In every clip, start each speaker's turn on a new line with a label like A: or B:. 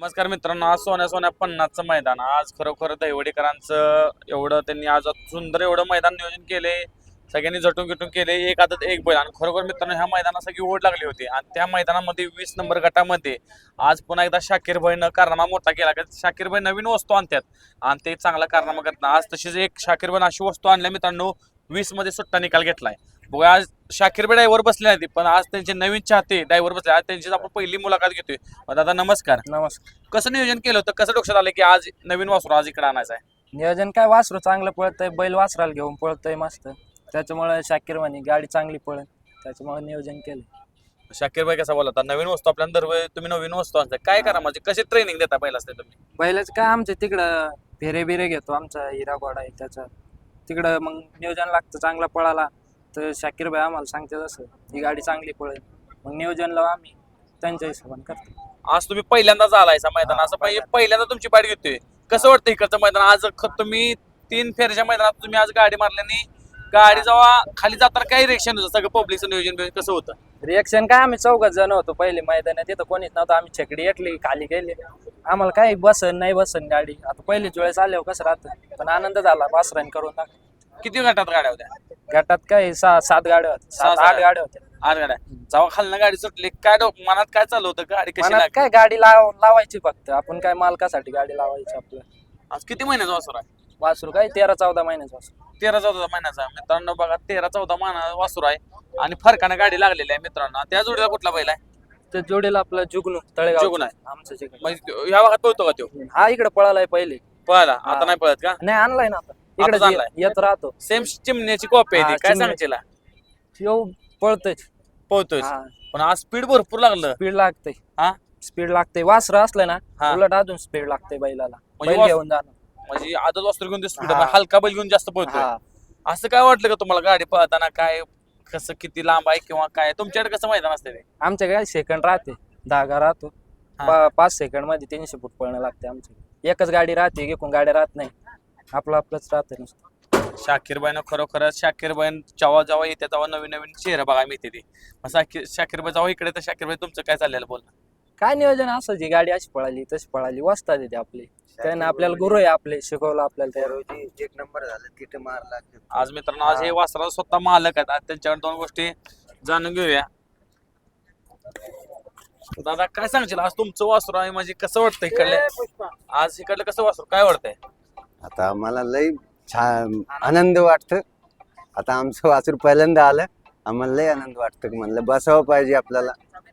A: नमस्कार मित्रांनो, आज सोन्या सोन्या 50चं मैदान. आज खरोखर दहिवडीकरांचं एवढं त्यांनी आज सुंदर एवढं मैदान नियोजन केले, सगळ्यांनी झटून गिटून केले. एक आदत एक बैल. आणि खरोखर मित्रांनो ह्या मैदानात सगळी ओढ लागली होती आणि त्या मैदानामध्ये 20 नंबर गटामध्ये आज पुन्हा एकदा शाकीर भाईनं कारनामा मोठा केला. शाकीर भाई नवीन वस्तू आणतात आणि ते चांगला कारनामा करतात. आज तशीच एक शाकीर भाई अशी वस्तू आणल्या मित्रांनो, 20 मध्ये सुट्टा निकाल घेतलाय. बघा आज शाकीर भाई ड्रायव्हर बसले नाही पण आज त्यांचे नवीन चाहते ड्रायव्हर बसले. आज त्यांची आपण पहिली मुलाखत घेतोय. दादा नमस्कार.
B: नमस्कार.
A: कसं नियोजन केलं होतं, कसं डोक्यात आलं की आज नवीन वासरू आज इकडे आणायचं आहे?
B: नियोजन काय, वासरू चांगलं पळतंय, बैल वासराला घेऊन पळतोय मस्त, त्याच्यामुळे शाकीर म्हणे गाडी चांगली पळेल, त्याच्यामुळे नियोजन केलं.
A: शाकीर भाई कसा बोलता, नवीन वस्तू आपल्याला दरवेळी तुम्ही नवीन वस्तू आणता, काय करा म्हणजे कशी ट्रेनिंग देता पहिला असते तुम्ही?
B: बैलाच काय आमच्या तिकडं फेरे बिरे घेतो, आमचा हिरा घोडा आहे त्याच्या तिकडं, मग नियोजन लागतं चांगला पळाला तर शाकीर भाई आम्हाला सांगते तसं ही गाडी चांगली पळेल, मग नियोजन लावून आम्ही त्यांच्या हिशोबाने करतो.
A: आज तुम्ही पहिल्यांदाच आलायचा मैदान, असं पहिल्यांदा तुमची पाठ घेतोय, कसं वाटतं इकडचं मैदान? आज तुम्ही 3 फेऱ्याच्या मैदानात तुम्ही आज गाडी मारल्याने गाडी जेव्हा खाली जाताना काही रिएक्शन होतं, सगळं पब्लिकचं नियोजन कसं होतं?
B: रिएक्शन काय, आम्ही 4 जण होतो पहिले मैदानात, तिथं कोणीच नव्हतं, आम्ही छकडी एकली खाली गेले, आम्हाला काही बसन नाही बसन गाडी. आता पहिलीच वेळेस आल्यावर कसं राहतं, पण आनंद झाला वासरान करून टाकलं.
A: किती गटात गाड्या होत्या?
B: गटात काय 6-7 गाड्या होत्या, 7-8 गाड्या होत्या.
A: 8 गाड्या. जेव्हा खालनं गाडी सुटली काय मनात काय चालू होतं, गाडी कशी
B: मनात
A: लागली?
B: काय, गाडी लावायची फक्त, आपण काय मालकासाठी गाडी लावायची. आपलं
A: आज किती महिन्याचा वासरू आहे?
B: वासरू काय 13-14 महिन्याचं वासरू.
A: 13-14 महिन्याचा. मित्रांनो बघा 13-14 महिना वासरू आहे आणि फरकानं गाडी लागलेली आहे मित्रांनो. त्या जोडीला कुठला बैल आहे?
B: तर जोडीला आपलं जुगनू तळेगाव
A: जुगनू आहे.
B: आमचं जिगनू.
A: म्हणजे ह्या भागात पळतो का तो?
B: हा इकडे पळालाय पहिले,
A: पळाला
B: हा.
A: आता नाही पळत का?
B: नाही आणलाय ना आता
A: आताच आणलाय.
B: इकडे येत राहतो.
A: सेम चिमण्याची कॉपी आहे ती.
B: हा,
A: काय
B: चिमण्या.
A: सांगशील?
B: येऊ पळतोय,
A: पळतोय पण आज स्पीड भरपूर लागलं.
B: स्पीड लागतंय.
A: हा
B: स्पीड लागते, वासर असलं ना
A: हा.
B: उलट अजून स्पीड लागते बैलाला,
A: म्हणजे
B: बैल घेऊन जाणं.
A: म्हणजे आदत वासरू घेऊन स्पीड,
B: हा.
A: हलका बैल घेऊन जास्त पळतोय.
B: हा.
A: असं काय वाटलं का तुम्हाला गाडी पळताना, काय कसं किती लांब आहे किंवा काय तुमच्याकडे कसं मैदान असते ते?
B: आमच्या काय सेकंड राहते, धागा राहतो,
A: हा.
B: 5 सेकंड मध्ये 300 फूट पळणं लागते. आमच्या एकच गाडी राहते, एकूण गाड्या राहत नाही, आपलंच राहतं नुसतं.
A: शाकीरबाईनं खरोखरच शाकीरबाईन जेव्हा जेव्हा येते तेव्हा नवीन नवीन चेहरा बघायला मिळते ती. मग शाकीरबाई जेव्हा इकडे तर शाकीरबाई तुमचं काय चाललेलं बोलणं?
B: काय नियोजन असं, जी गाडी अशी पळाली तशी पळाली, वस्ताद येते आपली, त्याने आपल्याला गुरु आहे, आपले शिकवलं आपल्याला त्या रोजी.
C: 1 नंबर झालं तिथे मारला.
A: आज मित्रांनो आज हे वासरा स्वतः मालक आहेत. आज त्यांच्याकडे 2 गोष्टी जाणून घेऊया. दादा काय सांगशील, आज तुमचं वासरू आहे म्हणजे कसं वाटतं इकडले? आज इकडलं कसं वासरू काय वाटतंय?
C: आता आम्हाला लय छान आनंद वाटतं. आता आमचं वासरू पहिल्यांदा आलं, आम्हाला लय आनंद वाटतं. म्हणलं बसावं पाहिजे आपल्याला.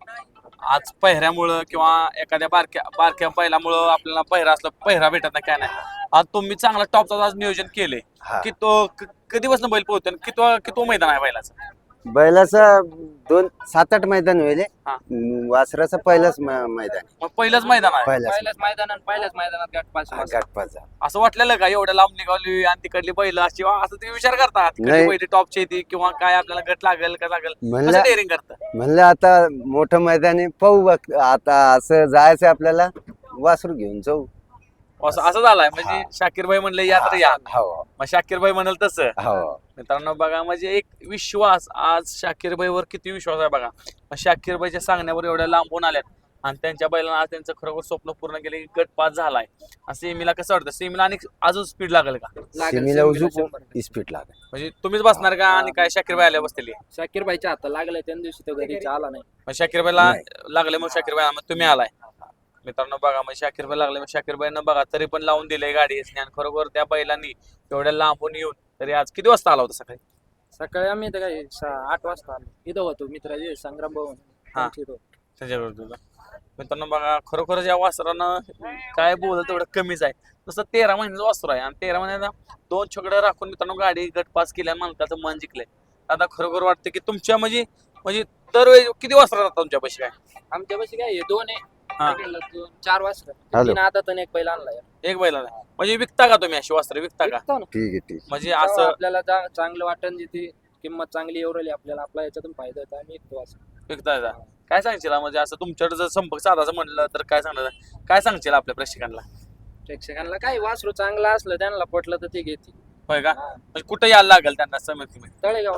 A: आज पहिऱ्यामुळं किंवा एखाद्या बारक्या पहिल्यामुळं आपल्याला पहिरा असलं, पहिरा भेटत नाही काय नाही. आज तुम्ही चांगला टॉपचा आज नियोजन केले
C: हा.
A: की तो कधीपासून बैल पोहतो, किती मैदान आहे बैलाचं?
C: बैलाचं 7-8 मैदान होईल.
A: हा.
C: वासराचं पहिलंच मैदान.
A: मग पहिलंच मैदान आहे.
B: पहिल्याच मैदानात
C: गटपास झाला.
A: असं वाटलेलं का एवढ्या लांब निघाली आणि तिकडली बैल अशी, असं तुम्ही विचार करता
C: नाही.
A: पहिली टॉपची येते किंवा काय आपल्याला गट लागेल का लागेल,
C: म्हणलं
A: कसं डेअरिंग करतं?
C: म्हणलं आता मोठं मैदान आहे, पाहू बघ. आता असं जायचं आपल्याला, वासरू घेऊन जाऊ.
A: असं झालंय म्हणजे शाकीरबाई म्हणले या तर या,
C: हो
A: मग शाकीरबाई म्हणाल तसं.
C: हो.
A: मित्रांनो बघा म्हणजे एक विश्वास, आज शाकीरबाईवर किती विश्वास आहे बघा. मग शाकीरबाईच्या सांगण्यावर एवढ्या लांबून आल्यात आणि त्यांच्या बैलांना आज त्यांचं खरोखर स्वप्न पूर्ण केले, गट पास झालाय. आणि सेमीला कसं वाटतं, सेमीला आणि अजून स्पीड लागेल का?
C: सिमीला उजू स्पीड लागेल.
A: म्हणजे तुम्हीच बसणार का आणि काय शाकीरबाई आल्या बसतील?
B: शाकीर भाईच्या हातात लागलाय, त्या दिवशी तो घरी आला नाही.
A: मग शाकीरबाईला
C: नाही.
A: लागले, मग शाकीरबाई मग तुम्ही आलाय. मित्रांनो बघा मग शाकीरबाई लागले, मग शाकीरबाईनं बघा तरी पण लावून दिले गाडी. आणि खरोखर त्या बैलांनी एवढ्या लांबून येऊन तरी आज किती वाजता आला होता सकाळी?
B: सकाळी आम्ही इथं काय 8 वाजता आलो, इथं होतो मित्राचे संग्राम भवन.
A: हा. त्याच्याकडे तुझा मित्रांनो बघा खरोखरच या वासरानं काय बोलत तेवढं कमीच आहे. तसं 13 महिन्याचं वासर आहे आणि 13 महिन्याला 2 छकडे राखून मित्रांनो गाडी गट पास केल्या, मालकाचं मन जिंकलंय. आता खरोखर वाटतं की तुमच्या म्हणजे दरवेळी किती वासरा राहतात तुमच्या पैसे? काय
B: आमच्या पाशी काय 2 आहे,
A: हा.
B: 4 वाजता
C: हॅलो.
B: 3 आता तर एक पहिला आणलाय.
A: एक बैलाला म्हणजे विकता का तुम्ही अशी वासरं, विकता का?
B: विकतो ना.
C: ठीक आहे ठीक.
A: म्हणजे
B: जेव्हा
A: असं
B: आपल्याला चांगलं वाटण, जिथे किंमत चांगली एवढली आपल्याला, आपला याच्यातून फायदा होता, आम्ही विकतो असं.
A: विकता का? काय सांगशील म्हणजे असं तुमच्याकडे जर संपर्क साधायचं म्हणलं तर काय सांगणार, काय सांगशील आपल्या प्रेक्षकांना?
B: प्रेक्षकांना काय, वासरू चांगलं असलं त्यांना पटलं तर ते घेतील.
A: होय का? म्हणजे कुठे यायला लागेल त्यांना समिती?
B: तळेगावला.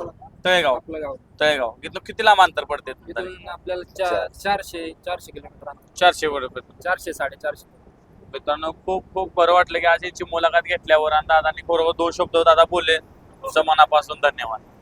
A: तळेगाव
B: आपलं गाव
A: तळेगाव इथलं किती लांब अंतर पडते
B: इथून आपल्याला 400 किलोमीटर अंतर.
A: 400 रुपये
B: 400 450.
A: मित्रांनो खूप खूप बरं वाटलं की आज याची मुलाखत घेतल्यावर आणि दादांनी बरोबर 2 शब्द दादा बोलले तुमचं मनापासून धन्यवाद.